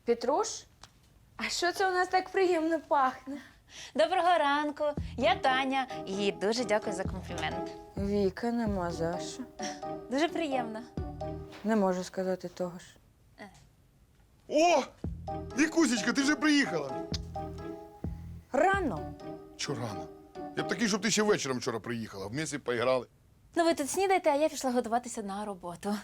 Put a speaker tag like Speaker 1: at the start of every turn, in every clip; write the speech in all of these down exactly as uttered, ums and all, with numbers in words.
Speaker 1: Петруш? А що це у нас так приємно пахне?
Speaker 2: Доброго ранку, я Таня і дуже дякую за комплімент.
Speaker 1: Віка, нема за що.
Speaker 2: Дуже приємно.
Speaker 1: Не можу сказати того ж.
Speaker 3: О! Вікусечка, ти вже приїхала.
Speaker 1: Рано.
Speaker 3: Чо рано? Я б такий, щоб ти ще вечором вчора приїхала. Вместе поіграли.
Speaker 2: Ну ви тут снідайте, а я пішла готуватися на роботу.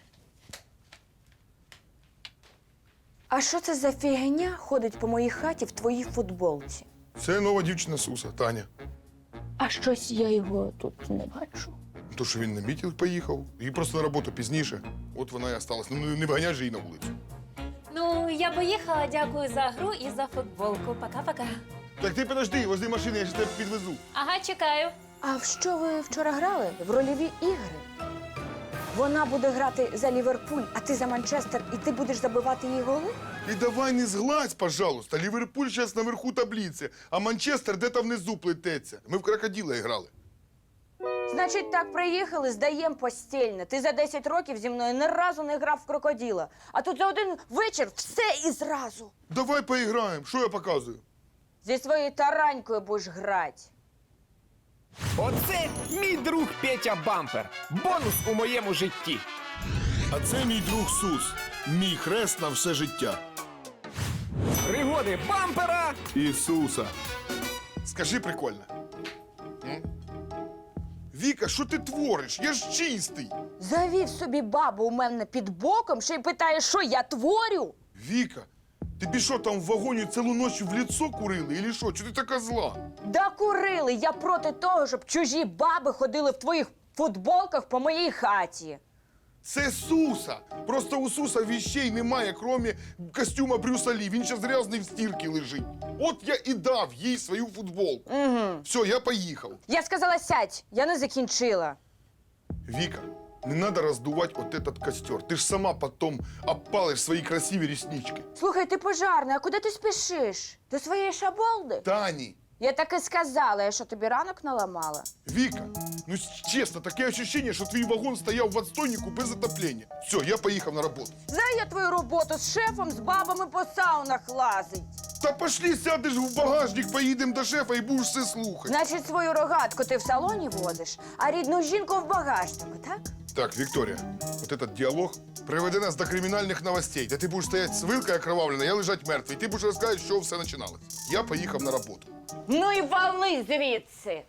Speaker 1: А що це за фігня ходить по моїй хаті в твоїй футболці?
Speaker 3: Це нова дівчина Суса, Таня.
Speaker 1: А щось я його тут не бачу.
Speaker 3: То, що він на мітинг поїхав, і просто на роботу пізніше. От вона і осталась. Ну, не виганяй же її на вулицю.
Speaker 2: Ну, я поїхала, дякую за гру і за футболку. Пока-пока.
Speaker 3: Так ти подожди, возле машини, я ще тебе підвезу.
Speaker 2: Ага, чекаю.
Speaker 1: А в що ви вчора грали? В рольові ігри? Вона буде грати за Ліверпуль, а ти за Манчестер, і ти будеш забивати їй голи?
Speaker 3: І давай не згладь, пожалуйста. Ліверпуль зараз наверху таблиці, а Манчестер де-то внизу плететься. Ми в крокодила грали.
Speaker 1: Значить, так приїхали, здаєм постільне. Ти за десять років зі мною ні разу не грав в крокодила. А тут за один вечір все і зразу.
Speaker 3: Давай поіграємо. Що я показую?
Speaker 1: Зі своєю таранькою будеш грати.
Speaker 4: Оце мій друг Петя Бампер. Бонус у моєму житті.
Speaker 3: А це мій друг Сус. Мій хрест на все життя.
Speaker 4: Пригоди бампера.
Speaker 3: Ісуса. Скажи прикольно. М? Віка, що ти твориш? Я ж чистий.
Speaker 1: Завів собі бабу у мене під боком, ще й питає, що я творю?
Speaker 3: Віка, тобі що там в вагоні цілу ніч в лицо курили? Или що? Чого ти така зла?
Speaker 1: Да курили, я проти того, щоб чужі баби ходили в твоїх футболках по моїй хаті.
Speaker 3: Це Суса. Просто у Суса віщей немає, крім костюма Брюса Лі. Він зараз грязний в стірці лежить. От я і дав їй свою футболку.
Speaker 1: Угу.
Speaker 3: Все, я поїхав.
Speaker 1: Я сказала, сядь, я не закінчила.
Speaker 3: Віка, не надо роздувати от этот костер. Ти ж сама потом опалиш свої красиві реснички.
Speaker 1: Слухай, ти пожарний, а куди ти спішиш? До своєї шаболди?
Speaker 3: Тані,
Speaker 1: Я так і сказала, я що тобі ранок наламала?
Speaker 3: Віка, ну чесно, таке ощущение, що твій вагон стояв в отстойнику без отоплення. Все, я поїхав на роботу.
Speaker 1: Знаю я твою роботу з шефом, з бабами по саунах лазить.
Speaker 3: Та пошли, сядеш в багажник, поїдемо до шефа і будеш все слухати.
Speaker 1: Значить, свою рогатку ти в салоні возиш, а рідну жінку в багажнику, так?
Speaker 3: Так, Вікторія, от этот діалог приведе нас до кримінальних новостей, де ти будеш стояти з вилкою окровавлена, я лежать мертвий. Ти будеш розказати, що все починалось. Я поїхав на роботу.
Speaker 1: Ну і вали звідси.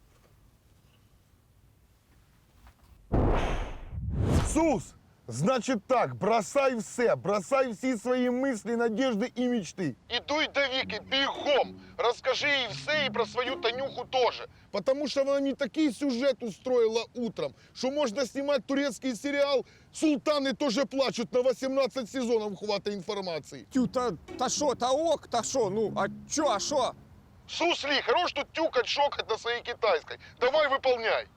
Speaker 3: Сус, значит так, бросай все, бросай всі свої мислі, надежди і мечти. І дуй до Віки, бігом, розкажи їй все і про свою Танюху теж. Потому що вона мені такий сюжет устроїла утром, що можна знімати турецький серіал «Султани теж плачуть», на вісімнадцять сезонів хватить інформації.
Speaker 4: Тю, та, та шо, та ок, та шо, ну, а чо, а шо?
Speaker 3: Сусли, хорош тут тюкать, шокать на своей китайской. Давай выполняй.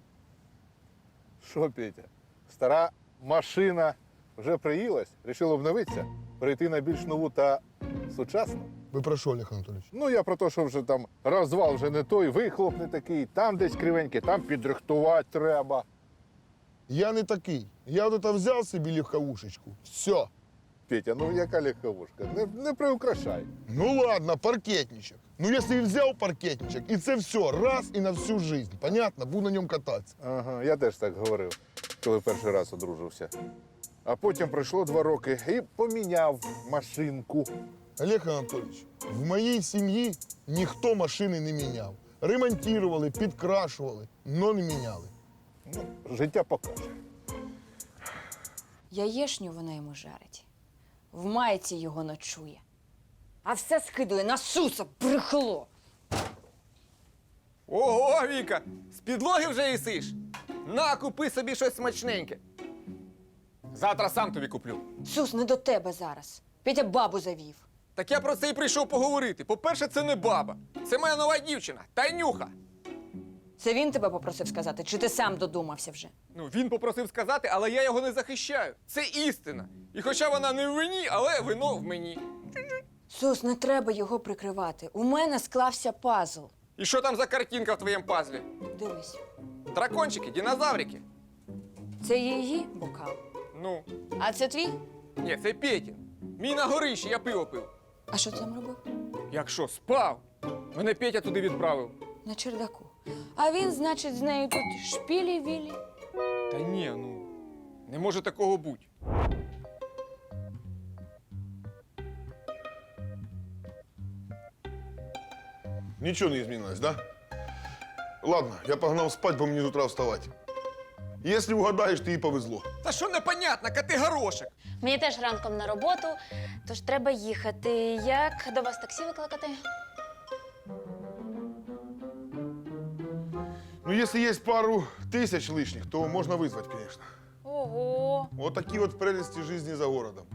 Speaker 5: Що, Петя, стара машина вже приїлась, рішив обновитися, перейти на більш нову та сучасну.
Speaker 3: Ви про що, Олег Анатолійович?
Speaker 5: Ну, я про те, що вже там розвал вже не той, вихлоп не такий, там десь кривенький, там підрихтувати треба.
Speaker 3: Я не такий. Я вот это взял собі легковушечку. Все.
Speaker 5: Петя, ну яка легковушка, не, не приукрашай.
Speaker 3: Ну ладно, паркетничек. Ну если взял паркетничек, і це все, раз і на всю жизнь. Понятно? Буду на ньому кататися.
Speaker 5: Ага, я теж так говорив, коли перший раз одружився. А потім пройшло два роки і поміняв машинку.
Speaker 3: Олег Анатолійович, в моїй сім'ї ніхто машини не міняв. Ремонтували, підкрашували, но не міняли.
Speaker 5: Ну, життя покаже.
Speaker 1: Яєшню вона йому жарить. В майці його ночує. А все скидує на Суса, брехло.
Speaker 4: Ого, Віка, з підлоги вже їсиш? На, купи собі щось смачненьке. Завтра сам тобі куплю.
Speaker 1: Сус, не до тебе зараз. Петя бабу завів.
Speaker 4: Так я про це і прийшов поговорити. По-перше, це не баба. Це моя нова дівчина, Танюха.
Speaker 1: Це він тебе попросив сказати, чи ти сам додумався вже?
Speaker 4: Ну, він попросив сказати, але я його не захищаю. Це істина. І хоча вона не в вині, але вино в мені.
Speaker 1: Сус, не треба його прикривати. У мене склався пазл.
Speaker 4: І що там за картинка в твоєму пазлі?
Speaker 1: Дивись.
Speaker 4: Дракончики, динозаврики.
Speaker 1: Це її бокал.
Speaker 4: Ну,
Speaker 1: А це твій?
Speaker 4: ні, це Петін. Мій на горищі, я пиво пив.
Speaker 1: А що ти там робив?
Speaker 4: Як що, спав? Мене Петя туди відправив.
Speaker 1: На чердаку. А він, значить, з нею тут шпілі-вілі.
Speaker 4: Та ні, ну, не може такого бути.
Speaker 3: Ничего не изменилось, да? Ладно, я погнал спать, бо мне с утра вставать. Если угадаешь, ты и повезло.
Speaker 4: Та що непонятно, коти горошек.
Speaker 2: Мені теж ранком на роботу, тож треба їхати. Як до вас таксі викликати?
Speaker 3: Ну, если есть пару тысяч лишних, то можно вызвать, конечно.
Speaker 2: Ого.
Speaker 3: Вот такие вот прелести жизни за городом.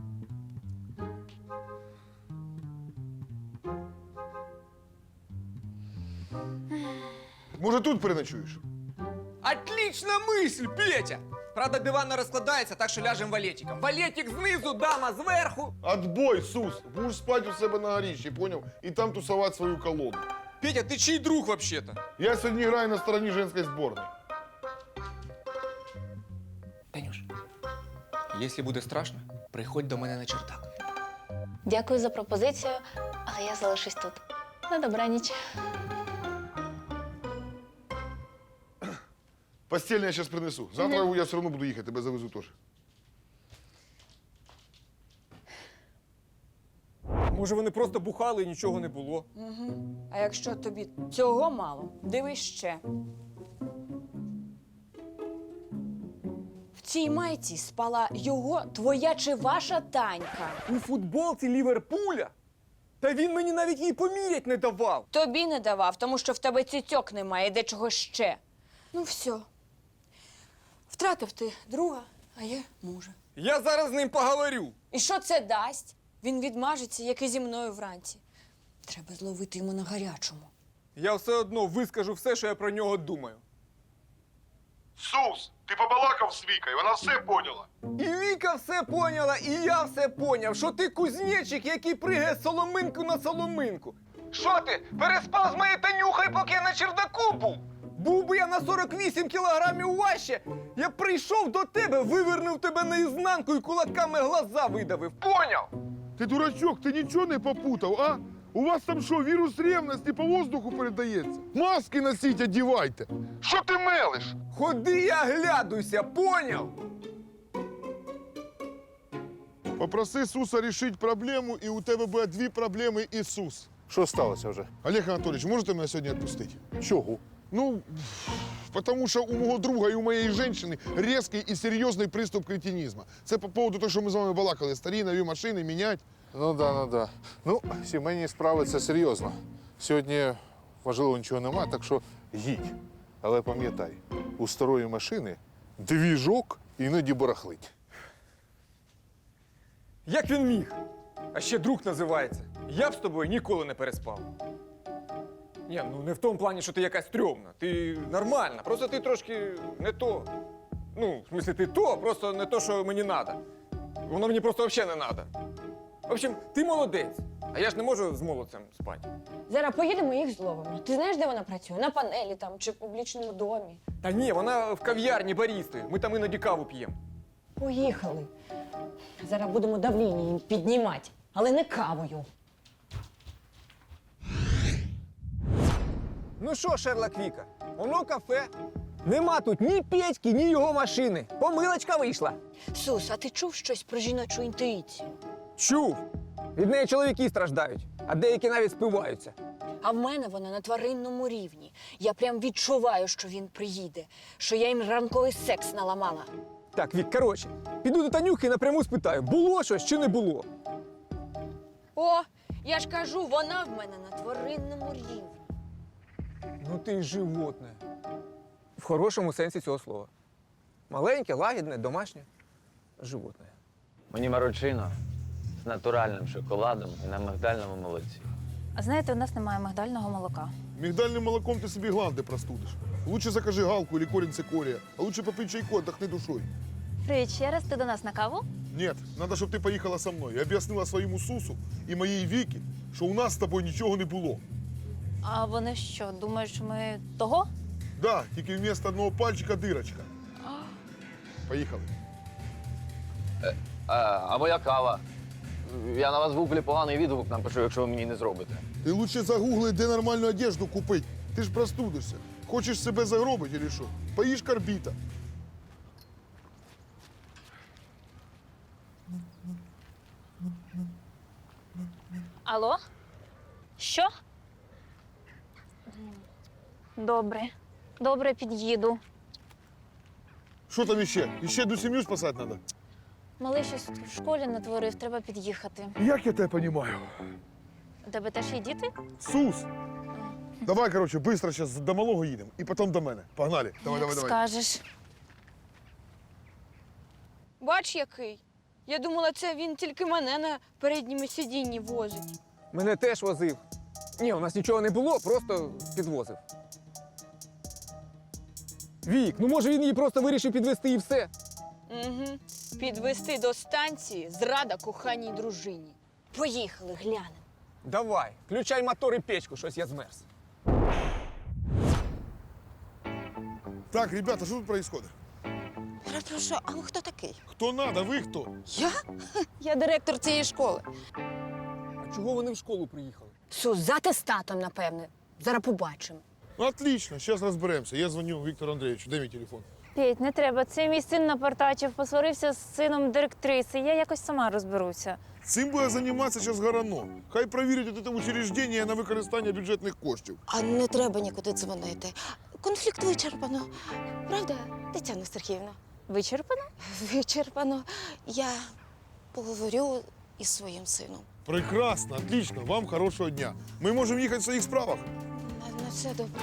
Speaker 3: Может, тут переночуешь?
Speaker 4: Отлична мисль, Петя! Правда, диван не розкладається, так що ляжем валетиком. Валетик знизу, дама зверху.
Speaker 3: Отбой, Сус! Будешь спать у себя на горищі, понял? И там тусовать свою колоду.
Speaker 4: Петя, ти чий друг вообще-то?
Speaker 3: Я сегодня играю на стороне женской сборной.
Speaker 4: Танюш, якщо буде страшно, приходь до мене на чердак.
Speaker 2: Дякую за пропозицію, але я залишусь тут. На добраніч.
Speaker 3: Постельное я сейчас принесу. Завтра я все равно буду ехать, тебя завезу тоже.
Speaker 4: Може, вони просто бухали і нічого не було.
Speaker 1: А якщо тобі цього мало, дивись ще. В цій майці спала його, твоя чи ваша Танька.
Speaker 4: У футболці Ліверпуля? Та він мені навіть її помірять не давав.
Speaker 1: Тобі не давав, тому що в тебе цицьок немає і дечого ще. Ну все. Втратив ти друга, а я мужа.
Speaker 4: Я зараз з ним поговорю.
Speaker 1: І що це дасть? Він відмажеться, як і зі мною вранці. Треба зловити йому на гарячому.
Speaker 4: Я все одно вискажу все, що я про нього думаю.
Speaker 3: Сус, ты побалакав с Викой, она все поняла.
Speaker 4: І Віка все поняла, і я все поняв, що ти кузнечик, який пригає з соломинку на соломинку. Що ти, переспав з моєю Танюхою, поки я на чердаку був? Був би я на сорок вісім кілограмів важче, я б прийшов до тебе, вивернув тебе наізнанку і кулаками глаза видавив. Поняв?
Speaker 3: Ты дурачок, ты ничего не попутал, а? У вас там что, вирус ревности по воздуху передається? Маски носить, одевайте. Що ти мелиш?
Speaker 4: Ходи і оглядуйся, поняв?
Speaker 3: Попроси Суса решить проблему, і у тебе буде дві проблеми і Сус.
Speaker 5: Що сталося вже?
Speaker 3: Олег Анатолійович, можете мене сьогодні відпустити?
Speaker 5: Чого?
Speaker 3: Ну, потому що у мого друга і у моєї жінки різкий і серйозний приступ кретинізму. Це по поводу того, що ми з вами балакали. Старі, нові машини, міняти.
Speaker 5: Ну да, ну да. Ну, сімейні справи це серйозно. Сьогодні важливо нічого нема, так що їдь. Але пам'ятай, у старої машини двіжок іноді барахлить.
Speaker 4: Як він міг? А ще друг називається. Я б з тобою ніколи не переспав. Ні, ну не в тому плані, що ти якась стрьомна. Ти нормальна, просто ти трошки не то. Ну, в смислі, ти то, просто не то, що мені треба. Воно мені просто взагалі не треба. В общем, ти молодець, а я ж не можу з молодцем спати.
Speaker 1: Зараз поїдемо і їх зловимо. Ти знаєш, де вона працює? На панелі там чи в публічному домі?
Speaker 4: Та ні, вона в кав'ярні барістою. Ми там іноді каву п'ємо.
Speaker 1: Поїхали. Зараз будемо давління їм піднімати, але не кавою.
Speaker 4: Ну що, Шерлок Віка, воно кафе. Нема тут ні Петьки, ні його машини. Помилочка вийшла.
Speaker 1: Сус, а ти чув щось про жіночу інтуїцію?
Speaker 4: Чув. Від неї чоловіки страждають, а деякі навіть спиваються.
Speaker 1: А в мене вона на тваринному рівні. Я прям відчуваю, що він приїде, що я їм ранковий секс наламала.
Speaker 4: Так, Вік, коротше, піду до Танюхи і напряму спитаю, було щось чи не було.
Speaker 1: О, я ж кажу, вона в мене на тваринному рівні.
Speaker 4: Ну ти й животне. В хорошому сенсі цього слова. Маленьке, лагідне, домашнє животне.
Speaker 6: Мені маручино з натуральним шоколадом і на мигдальному молоці.
Speaker 2: А знаєте, у нас немає мигдального молока.
Speaker 3: Мигдальным молоком ты себе гланды простудишь. Лучше закажи галку или корень цикория, а лучше попей чайку, отдохни душой.
Speaker 2: Привіт ще раз, ти до нас на каву?
Speaker 3: Нет, надо, чтобы ты поехала со мной и объяснила своему Сусу и моей Вике, что у нас с тобой ничего не было.
Speaker 2: А вони що, думають, що ми того?
Speaker 3: Да, тільки вместо одного пальчика дырочка. Поехали.
Speaker 6: А, а моя кава? Я на вас в гуглі поганий відгук напишу, якщо ви мені не зробите.
Speaker 3: Ти лучше загугли, де нормальну одежду купити. Ти ж простудишся. Хочеш себе загробити чи що? Поїж карбіта.
Speaker 2: Алло? Що? Добре. Добре, під'їду.
Speaker 3: Що там іще? Іще до сім'ю спасати треба?
Speaker 2: Малий щось в школі натворив, треба під'їхати.
Speaker 3: Як я тебе розумію?
Speaker 2: У тебе теж є діти?
Speaker 3: Сус! Давай, коротше, швидко зараз до малого їдемо і потім до мене. Погнали. Давай, давай, давай.
Speaker 2: Скажеш.
Speaker 1: Бач, який. Я думала, це він тільки мене на передньому сидінні возить.
Speaker 4: Мене теж возив. Ні, у нас нічого не було, просто підвозив. Вік, ну може він її просто вирішив підвести і все.
Speaker 1: Угу. Підвести до станції зрада коханій дружині. Поїхали, глянемо.
Speaker 4: Давай, включай мотор і печку, щось я змерз.
Speaker 3: Так, ребята, що тут происходит?
Speaker 7: Перепрошую, а ви хто такий?
Speaker 3: Хто надо, ви хто?
Speaker 7: Я? Я директор цієї школи.
Speaker 4: А чого вони в школу приїхали?
Speaker 7: Сус, з атестатом, напевне. Зараз побачимо.
Speaker 3: Ну, отлично, зараз розберемося. Я дзвоню Віктору Андрійовичу. Де мій телефон?
Speaker 2: Петь, не треба. Це мій син напартачив, посварився з сином директриси. Я якось сама розберуся.
Speaker 3: Цим буде займатися зараз Гарано. Хай перевірять це учреждення на використання бюджетних коштів.
Speaker 7: А не треба нікуди дзвонити. Конфлікт вичерпано. Правда, Тетяна Сергіївна?
Speaker 2: Вичерпано?
Speaker 7: Вичерпано. Я поговорю із своїм сином.
Speaker 3: Прекрасно, отлично. Вам хорошого дня. Ми можемо їхати в своїх справах.
Speaker 7: На, на все добре.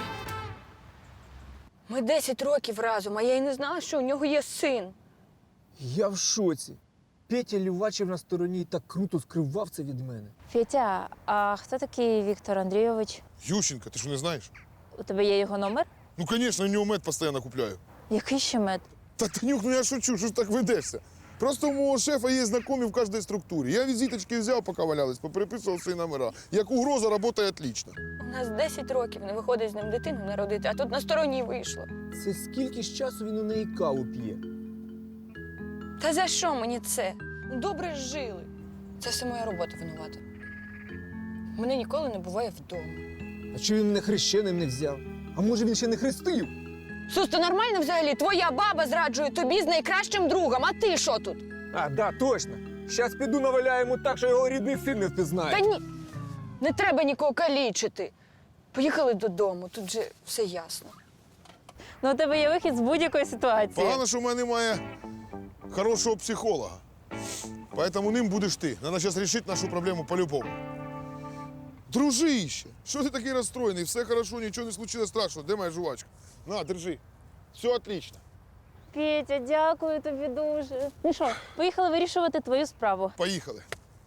Speaker 1: Ми десять років разом, а я й не знала, що у нього є син.
Speaker 4: Я в шоці. Петя Лівачев на стороні і так круто скривав це від мене.
Speaker 2: Петя, а хто такий Віктор Андрійович?
Speaker 3: Ющенко, ти що не знаєш?
Speaker 2: У тебе є його номер?
Speaker 3: Ну, звісно, у нього мед постійно купляю.
Speaker 2: Який ще мед?
Speaker 3: Та Танюк, ну я шучу, що ж так ведешся? Просто у мого шефа є знайомі в кожній структурі. Я візиточки взяв, поки валялись, попереписував свої номера. Як угроза, працює отлично.
Speaker 1: У нас десять років не виходить з ним дитину народити, а тут на сторонній вийшло.
Speaker 4: Це скільки ж часу він у неї каву п'є?
Speaker 1: Та за що мені це? Добре ж жили. Це все моя робота винувата. Мене ніколи не буває вдома.
Speaker 4: А чого він мене хрещеним не взяв? А може він ще не хрестив?
Speaker 1: Сус, то нормально взагалі? Твоя баба зраджує тобі з найкращим другом, а ти що тут?
Speaker 4: А, да, точно. Щас піду наваляю йому так, що його рідний син не впізнає.
Speaker 1: Та ні, не треба нікого калічити. Поїхали додому, тут же все ясно.
Speaker 2: Ну, у тебе є вихід з будь-якої ситуації.
Speaker 3: Погано, що в мене немає хорошого психолога. Поэтому ним будеш ти. Надо зараз рішити нашу проблему по-любому. Дружище, що ти такий розстроєний? Все хорошо, нічого не случилось страшного. Де моя жувачка? На, держи. Все отлично.
Speaker 2: Петя, дякую тобі дуже. Ну що, поїхали вирішувати твою справу.
Speaker 3: Поїхали.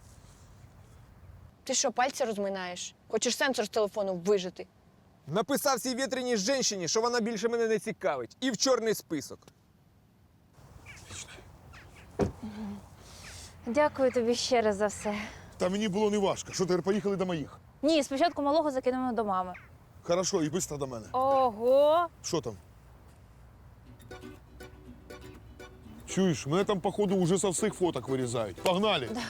Speaker 1: Ти що, пальці розминаєш? Хочеш сенсор з телефону вижити?
Speaker 4: Написав цій вітряній жінці, що вона більше мене не цікавить. І в чорний список.
Speaker 2: Дякую тобі ще раз за все.
Speaker 3: Та мені було не важко. Що, тепер поїхали до моїх?
Speaker 2: Ні, спочатку малого закинемо до мами.
Speaker 3: Хорошо, і швидко до мене.
Speaker 2: Ого!
Speaker 3: Що там? Чуєш, мене там, походу, уже со всіх фоток вирізають. Погнали! Да.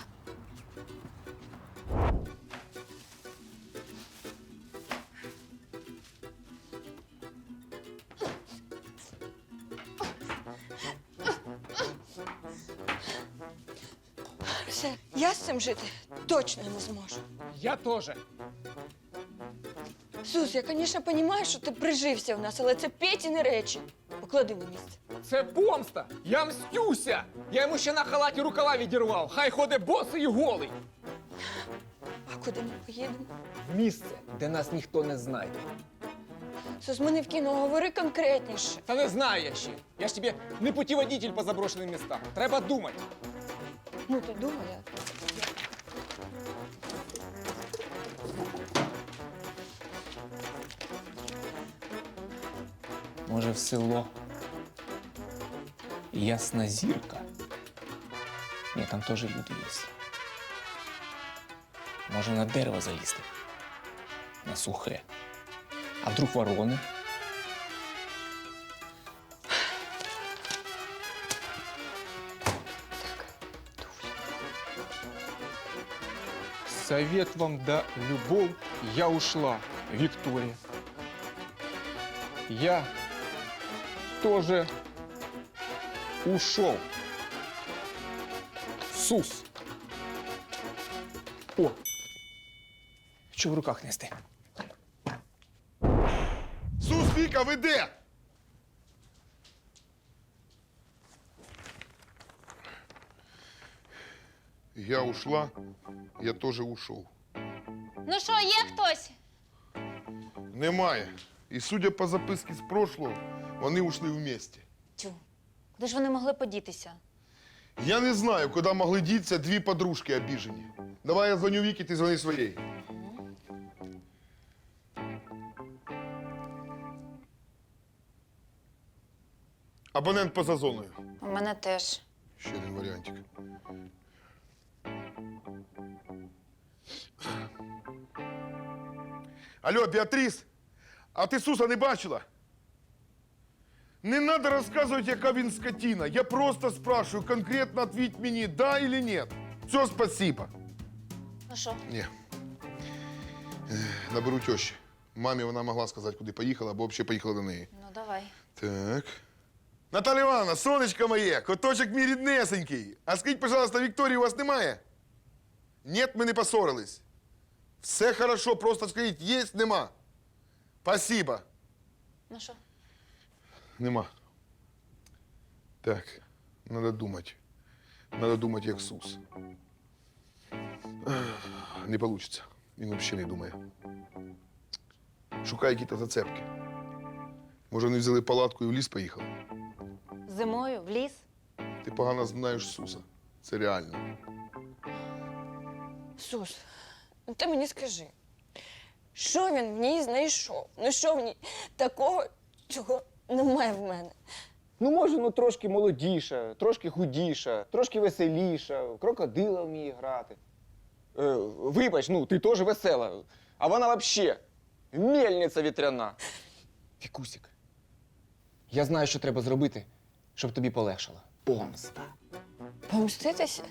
Speaker 1: Все, я з цим жити точно не зможу.
Speaker 4: Я теж.
Speaker 1: Сус, я, звісно, розумію, що ти прижився в нас, але це Петіни речі. Поклади на місце.
Speaker 4: Це помста! Я мстюся! Я йому ще на халаті рукава відірвав. Хай ходить босий і голий.
Speaker 1: А куди ми поїдемо?
Speaker 4: В місце, де нас ніхто не знайде.
Speaker 1: Сус, ми не в кіно, говори конкретніше.
Speaker 4: Та не знаю я ще. Я ж тобі не путіводитель по заброшеним містам. Треба думати.
Speaker 1: Ну, ти думай, а?
Speaker 8: Може, в село. Ясна зірка. Ні, там теж люди є. Може, на дерево залізти. На сухе. А вдруг ворони? Совет вам да любовь, я ушла, Виктория. Я тоже ушел. Сус. О! Що в руках нести?
Speaker 3: Сус, Віка, ви де? Я ушла, я теж ушов.
Speaker 2: Ну що, є хтось?
Speaker 3: Немає. І судя по записці з прошлого, вони ушли вместе.
Speaker 2: Тю, куди ж вони могли подітися?
Speaker 3: Я не знаю, куди могли діться дві подружки обіжені. Давай я дзвоню Вікі, ти дзвони своєї. Абонент поза зоною.
Speaker 2: У мене теж.
Speaker 3: Ще один варіантик. Алло, Біатріс, а ти Суса не бачила? Не треба розказувати, яка він скотина. Я просто спрашиваю, конкретно ответь мені, да или нет. Все, спасибо.
Speaker 2: Ну що?
Speaker 3: Ні. Наберу тещі. Мамі вона могла сказати, куди поїхала, або взагалі поїхала до неї.
Speaker 2: Ну, давай.
Speaker 3: Так. Наталя Івановна, сонечко моє, коточок мій ріднесенький. А скажіть, пожалуйста, Вікторії у вас немає? Ні, ми не поссорились. Все хорошо, просто скажіть, є, нема. Спасибо.
Speaker 2: Ну що?
Speaker 3: Нема. Так, надо думати. Надо думати, як Сус. Ех, Не получится. Він взагалі не думає. Шукає якісь зацепки. Може, вони взяли палатку і в ліс поїхали?
Speaker 2: Зимою в ліс?
Speaker 3: Ти погано знаєш Суса. Це реально.
Speaker 1: Сус, ну ти мені скажи, що він в ній знайшов? Ну що в ній такого, чого немає в мене?
Speaker 4: Ну, може, ну трошки молодіша, трошки худіша, трошки веселіша, в крокодила вміє грати. Е, вибач, ну, ти теж весела, а вона взагалі мельниця вітряна. Вікусік, я знаю, що треба зробити, щоб тобі полегшало. Помста.
Speaker 1: Помститися?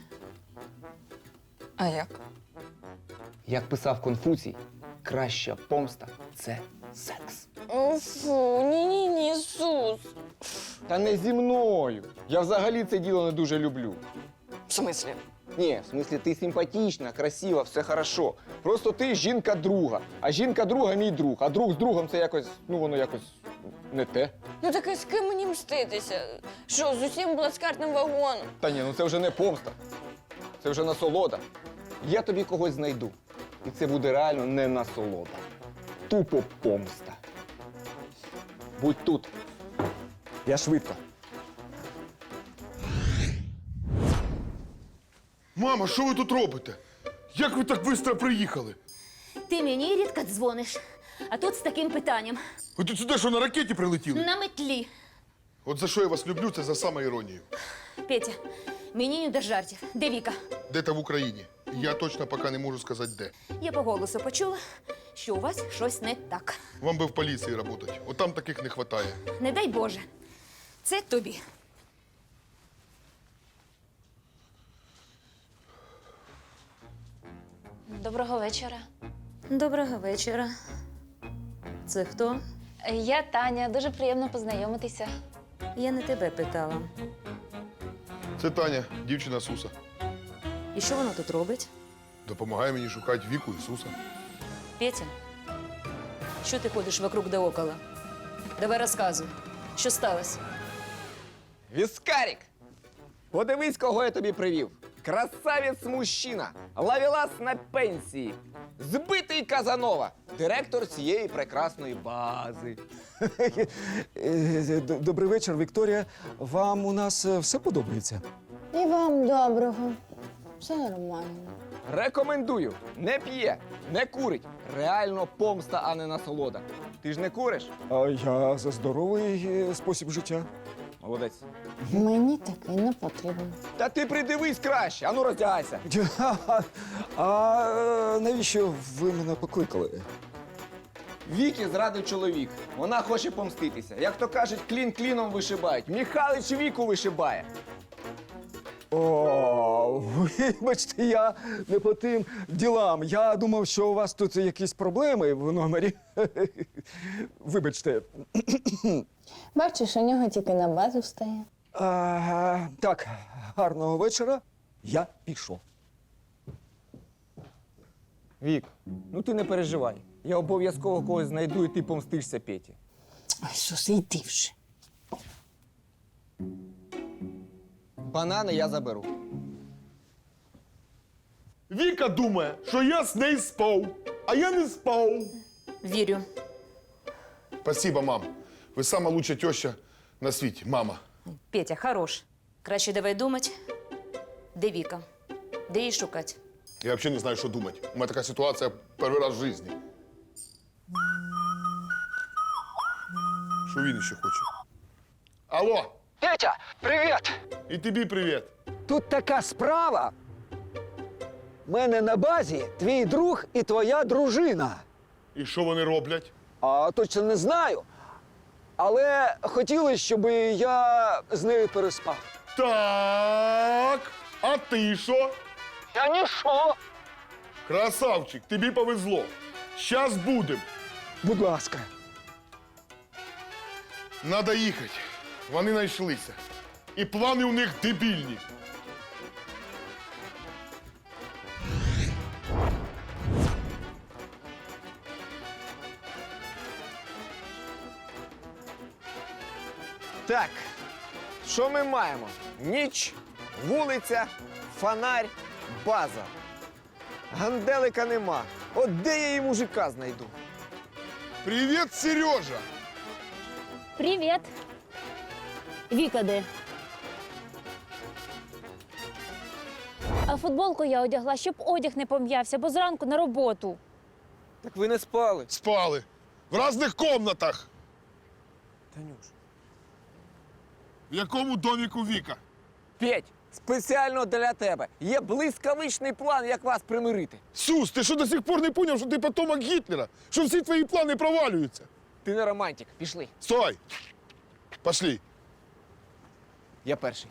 Speaker 1: А як?
Speaker 4: Як писав Конфуцій, краща помста – це секс.
Speaker 1: О, фу, ні-ні-ні, Сус.
Speaker 4: Та не зі мною. Я взагалі це діло не дуже люблю.
Speaker 1: В смислі?
Speaker 4: Ні, в смислі, ти симпатична, красива, все хорошо. Просто ти жінка друга, а жінка друга мій друг, а друг з другом це якось, ну воно якось не те.
Speaker 1: Ну так і з ким мені мститися? Що, з усім плацкартним вагоном?
Speaker 4: Та ні, ну це вже не помста. Це вже насолода. Я тобі когось знайду. І це буде реально не насолода. Тупо помста. Будь тут. Я швидко.
Speaker 3: Мама, що ви тут робите? Як ви так швидко приїхали?
Speaker 9: Ти мені рідко дзвониш, а тут з таким питанням.
Speaker 3: Ви тут сюди що, на ракеті прилетіли?
Speaker 9: На метлі.
Speaker 3: От за що я вас люблю, це за самоіронію.
Speaker 9: Петя, мені не до жартів. Де Віка?
Speaker 3: Де-то в Україні. Я точно поки не можу сказати, де.
Speaker 9: Я по голосу почула, що у вас щось не так.
Speaker 3: Вам би в поліції працювати. От там таких не вистачає.
Speaker 9: Не дай Боже. Це тобі.
Speaker 2: Доброго вечора.
Speaker 9: Доброго вечора. Це хто?
Speaker 2: Я Таня, дуже приємно познайомитися.
Speaker 9: Я не тебе питала.
Speaker 3: Це Таня, дівчина Суса.
Speaker 9: І що вона тут робить?
Speaker 3: Допомагає мені шукати Віку і Суса.
Speaker 9: Петя, що ти ходиш вокруг да около? Давай розказуй, що сталося?
Speaker 4: Віскарік! Подивись, кого я тобі привів. Красавець-мужчина, лавілас на пенсії, збитий Казанова, директор цієї прекрасної бази.
Speaker 10: Добрий вечір, Вікторія. Вам у нас е, все подобається?
Speaker 7: І вам доброго. Все нормально.
Speaker 4: Рекомендую. Не п'є, не курить. Реально помста, а не насолода. Ти ж не куриш?
Speaker 10: А я за здоровий е, спосіб життя.
Speaker 4: Молодець.
Speaker 7: Мені такий не потрібен.
Speaker 4: Та ти придивись краще, ану роздягайся.
Speaker 10: А е, навіщо ви мене покликали?
Speaker 4: Вікі зрадив чоловік. Вона хоче помститися. Як то кажуть, клін кліном вишибають. Міхалич Віку вишибає.
Speaker 10: О, вибачте, я не по тим ділам. Я думав, що у вас тут якісь проблеми в номері. Вибачте.
Speaker 2: Бачиш, у нього тільки на базу встає.
Speaker 10: А, так, гарного вечора. Я пішов.
Speaker 4: Вік, ну ти не переживай. Я обов'язково когось знайду і ти помстишся Петі.
Speaker 2: Ой, Сус, йди вже.
Speaker 4: Банани я заберу.
Speaker 3: Віка думає, що я з нею спав, а я не спав.
Speaker 9: Вірю.
Speaker 3: Спасибо, мам. Ви сама лучша теща на світі, мама.
Speaker 9: Петя, хорош. Краще давай думати, де Віка, де її шукати.
Speaker 3: Я взагалі не знаю, що думати. У мене така ситуація перший раз в житті. Що він ще хоче? Алло,
Speaker 10: Петя, привіт!
Speaker 3: і тобі привіт.
Speaker 10: Тут така справа. У мене на базі твій друг і твоя дружина.
Speaker 3: І що вони роблять?
Speaker 10: А точно не знаю. Але хотіли, щоб я з нею переспав.
Speaker 3: Так, а ти що?
Speaker 10: Я ніщо.
Speaker 3: Красавчик, тобі повезло. Щас будем.
Speaker 10: Будь ласка.
Speaker 3: Надо їхати. Вони знайшлися. І плани у них дебільні.
Speaker 4: Так, що ми маємо? Ніч, вулиця, фонарь, база. Ганделика нема. От де я її мужика знайду?
Speaker 3: Привіт, Сережа!
Speaker 2: Привіт. Віка де? А футболку я одягла, щоб одяг не пом'явся, бо зранку на роботу.
Speaker 4: Так ви не спали.
Speaker 3: Спали. В різних комнатах.
Speaker 4: Танюш.
Speaker 3: В якому доміку Віка?
Speaker 4: Петь, спеціально для тебе. Є блискавичний план, як вас примирити.
Speaker 3: Сус, ти що до сих пор не поняв, що ти потомок Гітлера? Що всі твої плани провалюються?
Speaker 4: Ти не романтик. Пішли.
Speaker 3: Стой! Пошли.
Speaker 4: Я перший.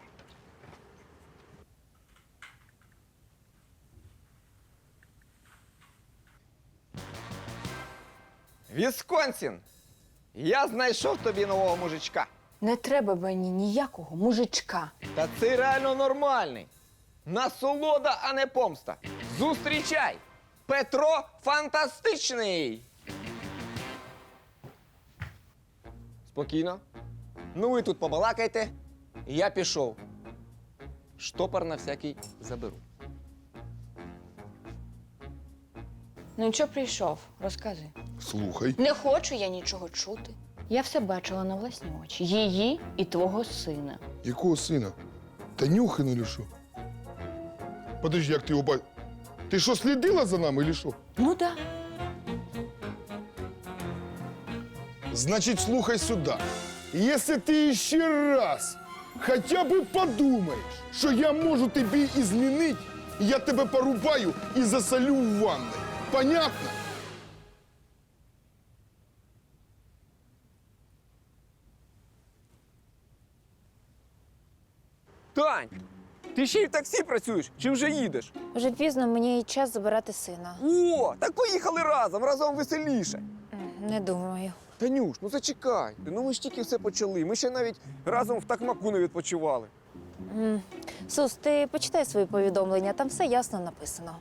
Speaker 4: Вісконсін! Я знайшов тобі нового мужичка.
Speaker 1: Не треба мені ніякого мужичка.
Speaker 4: Та це реально нормальний. Насолода, а не помста. Зустрічай! Петро фантастичний! Спокійно. Ну ви тут побалакайте. Я пішов. Штопор на всякий заберу.
Speaker 1: Ну і що прийшов? Розкажи.
Speaker 3: Слухай.
Speaker 1: Не хочу я нічого чути. Я все бачила на власні очі. Її і твого сина.
Speaker 3: Якого сина? Танюхина чи що? Подожди, як ти його ба... Ти що, слідила за нами, чи що?
Speaker 1: Ну так.
Speaker 3: Значит, слухай сюда. Если ты еще раз хотя бы подумаешь, что я можу тебе изменить, я тебе порубаю и засолю в ванной. Понятно?
Speaker 4: Тань, ти ще й в таксі працюєш чи вже їдеш?
Speaker 2: Вже пізно, мені час забирати сина.
Speaker 4: О, так поїхали разом, разом веселіше.
Speaker 2: Не думаю.
Speaker 4: Танюш, ну зачекай. Ну ми ж тільки все почали. Ми ще навіть разом в такмаку не відпочивали.
Speaker 2: М. Сус, ти почитай свої повідомлення, там все ясно написано.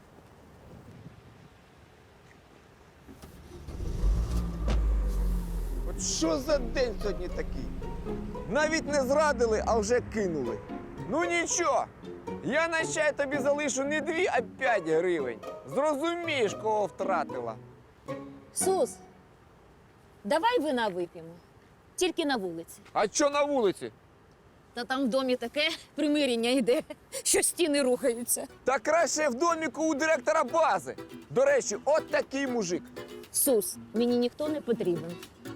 Speaker 4: От що за день сьогодні такий? Навіть не зрадили, а вже кинули. Ну нічого, я на чай тобі залишу не дві, а п'ять гривень. Зрозумієш, кого втратила.
Speaker 9: Сус, давай вина вип'ємо. Тільки на вулиці.
Speaker 4: А що на вулиці?
Speaker 9: Та там в домі таке примирення йде, що стіни рухаються.
Speaker 4: Та краще в доміку у директора бази. До речі, от такий мужик.
Speaker 9: Сус, мені ніхто не потрібен.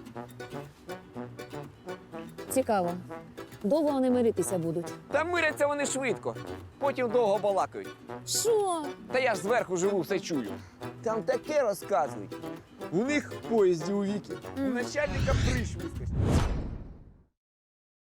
Speaker 9: Цікаво, довго вони миритися будуть?
Speaker 4: Та миряться вони швидко. Потім довго балакають.
Speaker 9: Що?
Speaker 4: Та я ж зверху живу, все чую. Там таке розказують. У них в поїзді у Віки. У начальника приш вискочив.